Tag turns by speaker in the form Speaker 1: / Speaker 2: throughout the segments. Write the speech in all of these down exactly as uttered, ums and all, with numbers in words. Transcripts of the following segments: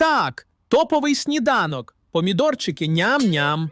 Speaker 1: Так, топовий сніданок. Помідорчики ням-ням.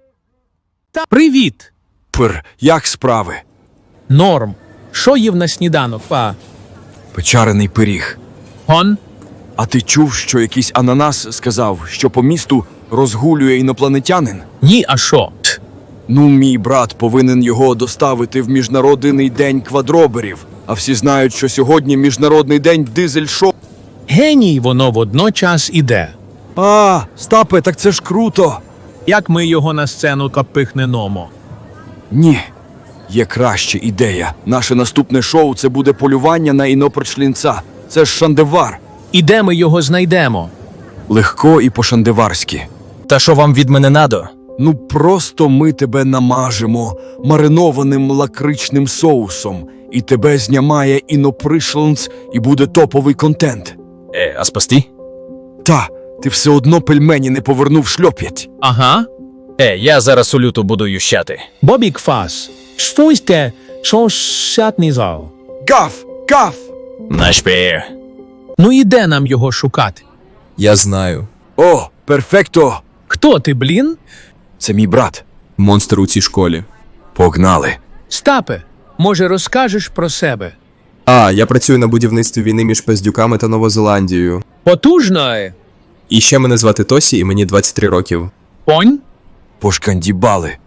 Speaker 1: Та привіт.
Speaker 2: Пр, як справи?
Speaker 1: Норм. Що їв на сніданок, па?
Speaker 2: Печарений пиріг.
Speaker 1: Гон?
Speaker 2: А ти чув, що якийсь ананас сказав, що по місту розгулює інопланетянин?
Speaker 1: Ні, а що? Ть.
Speaker 2: Ну, мій брат повинен його доставити в Міжнародний день квадроберів. А всі знають, що сьогодні Міжнародний день дизель-шоу.
Speaker 1: Геній воно водночас іде.
Speaker 2: А, Стапе, так це ж круто.
Speaker 1: Як ми його на сцену капихнемо?
Speaker 2: Ні, є краща ідея. Наше наступне шоу – це буде полювання на інопрочлінця. Це ж шандевар.
Speaker 1: І де ми його знайдемо?
Speaker 2: Легко і по-шандеварськи.
Speaker 3: Та що вам від мене надо?
Speaker 2: Ну просто ми тебе намажемо маринованим лакричним соусом, і тебе знімає інопришленц, і буде топовий контент.
Speaker 3: Е, а спасти?
Speaker 2: Та, ти все одно пельмені не повернув шльоп'ять.
Speaker 1: Ага.
Speaker 3: Е, я зараз у люту буду ющати.
Speaker 1: Бобік Фас. Стойте, що шатний зал.
Speaker 2: Гаф! Гаф!
Speaker 3: Наш пір.
Speaker 1: Ну і де нам його шукати?
Speaker 4: Я знаю.
Speaker 2: О, перфекто!
Speaker 1: Хто ти, блін?
Speaker 2: Це мій брат.
Speaker 4: Монстр у цій школі.
Speaker 2: Погнали.
Speaker 1: Стапе, може розкажеш про себе?
Speaker 4: А, я працюю на будівництві війни між Пездюками та Новозеландією.
Speaker 1: Потужно, е?
Speaker 4: І ще мене звати Тосі, і мені двадцять три років.
Speaker 1: Понь?
Speaker 2: Пошкандібали.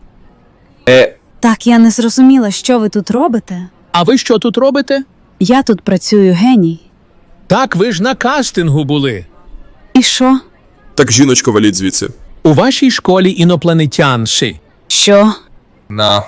Speaker 5: Так, я не зрозуміла, що ви тут робите.
Speaker 1: А ви що тут робите?
Speaker 5: Я тут працюю геній.
Speaker 1: Так, ви ж на кастингу були.
Speaker 5: І що?
Speaker 4: Так, жіночко, валіть звідси.
Speaker 1: У вашій школі інопланетянші.
Speaker 5: Що?
Speaker 4: На.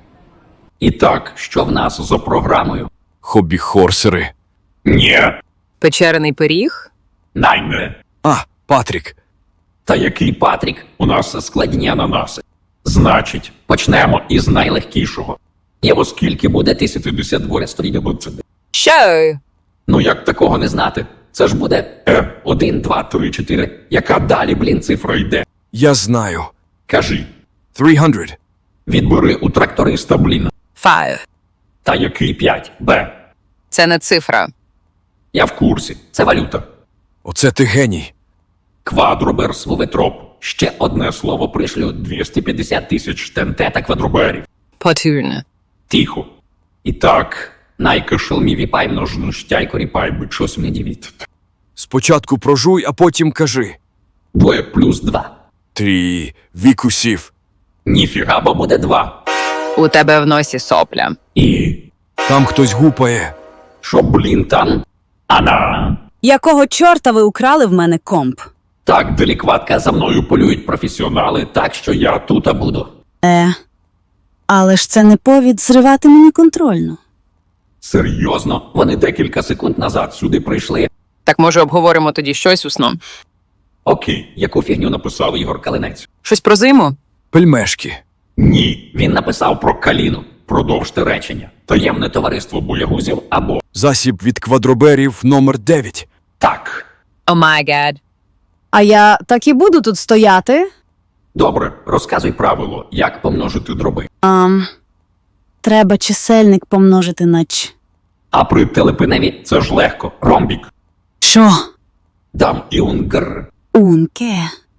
Speaker 6: І так, що в нас за програмою?
Speaker 2: Хобі-хорсери.
Speaker 6: Ні,
Speaker 7: Печерений пиріг?
Speaker 6: найме.
Speaker 2: А, Патрік.
Speaker 6: Та який Патрік? У нас складні ананаси. Значить, почнемо із найлегкішого. І оскільки буде тисяча п'ятдесят два стрільбуться.
Speaker 7: Що?
Speaker 6: Ну як такого не знати? Це ж буде е, один, два, три, чотири. Яка далі, блін, цифра йде?
Speaker 2: Я знаю.
Speaker 6: Кажи,
Speaker 2: триста.
Speaker 6: відбери у тракториста, блін.
Speaker 7: Five.
Speaker 6: Та який п'ять? Б.
Speaker 7: Це не цифра.
Speaker 6: Я в курсі. Це валюта.
Speaker 2: Оце ти геній.
Speaker 6: Квадробер, словетроп. Ще одне слово пришлю. двісті п'ятдесят тисяч тенте та квадроберів.
Speaker 7: Потужно.
Speaker 6: Тихо. І так, найкашелмі віпай множну штяйко ріпай би чос мені від.
Speaker 2: Спочатку прожуй, а потім кажи.
Speaker 6: Двоє плюс два.
Speaker 2: Три вікусів.
Speaker 6: Ніфіга, бо буде два.
Speaker 7: У тебе в носі сопля.
Speaker 6: І...
Speaker 2: Там хтось гупає.
Speaker 6: Що, блін, там? Ана.
Speaker 5: Якого чорта ви украли в мене комп?
Speaker 6: Так, делікватка, за мною полюють професіонали, так що я тут буду.
Speaker 5: Е, але ж це не повід зривати мені контрольну.
Speaker 6: Серйозно, вони декілька секунд назад сюди прийшли.
Speaker 7: Так може обговоримо тоді щось усно?
Speaker 6: Окей, яку фігню написав Ігор Калинець?
Speaker 7: Щось про зиму?
Speaker 2: Пельмешки.
Speaker 6: Ні, він написав про каліну. Продовжте речення. Таємне товариство боягузів або...
Speaker 2: Засіб від квадроберів номер дев'ять.
Speaker 6: Так.
Speaker 7: О май гад.
Speaker 5: А я так і буду тут стояти?
Speaker 6: Добре, розказуй правило, як помножити дроби.
Speaker 5: Ам, треба чисельник помножити на ч.
Speaker 6: А при телепиневі це ж легко. Ромбік.
Speaker 5: Що?
Speaker 6: Дам і унгр.
Speaker 5: Унке.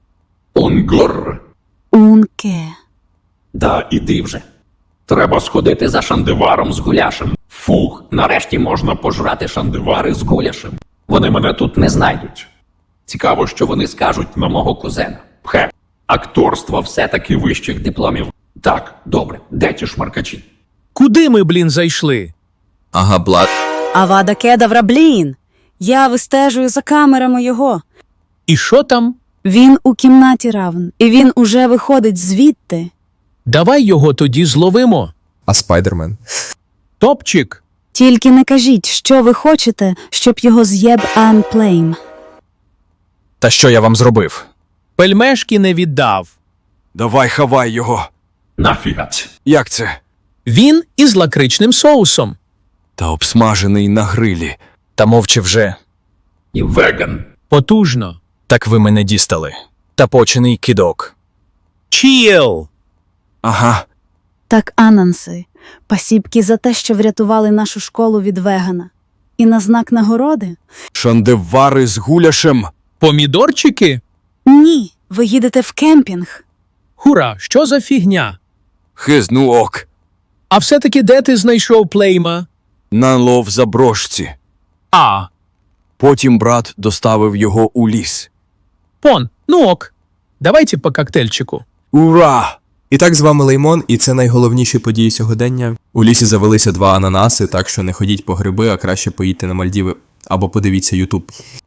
Speaker 6: Унгр.
Speaker 5: Унке.
Speaker 6: Да, іди вже. Треба сходити за шандеваром з гуляшем. Фух, нарешті можна пожрати шандевари з гуляшем. Вони мене тут не знайдуть. Цікаво, що вони скажуть на мого кузена. Пхе, акторство все-таки вищих дипломів. Так, добре, де ті шмаркачі?
Speaker 1: Куди ми, блін, зайшли?
Speaker 4: Ага, блад.
Speaker 5: Авада кедавра, блін. Я вистежую за камерами його.
Speaker 1: І що там?
Speaker 5: Він у кімнаті равн, і він уже виходить звідти.
Speaker 1: Давай його тоді зловимо.
Speaker 4: А Спайдермен?
Speaker 1: Топчик.
Speaker 5: Тільки не кажіть, що ви хочете, щоб його з'єб Анплейм.
Speaker 3: Та що я вам зробив?
Speaker 1: Пельмешки не віддав.
Speaker 2: Давай хавай його.
Speaker 6: Нафігать.
Speaker 2: Як це?
Speaker 1: Він із лакричним соусом.
Speaker 2: Та обсмажений на грилі.
Speaker 3: Та мовчи вже.
Speaker 6: І веган.
Speaker 1: Потужно.
Speaker 3: Так ви мене дістали. Та почений кидок.
Speaker 1: Чіл.
Speaker 2: Ага.
Speaker 5: Так, ананси, пасібки за те, що врятували нашу школу від вегана. І на знак нагороди
Speaker 2: Шандевари з гуляшем.
Speaker 1: Помідорчики?
Speaker 5: Ні, ви їдете в кемпінг.
Speaker 1: Хура, що за фігня?
Speaker 2: Хизну ок.
Speaker 1: А все-таки де ти знайшов плейма?
Speaker 2: На лов заброшці.
Speaker 1: А,
Speaker 2: Потім брат доставив його у ліс.
Speaker 1: пон, ну ок. Давайте по коктейльчику.
Speaker 2: Ура!
Speaker 4: І так з вами Леймон, і це найголовніші події сьогодення. У лісі завелися два ананаси, так що не ходіть по гриби, а краще поїдьте на Мальдіви або подивіться Ютуб.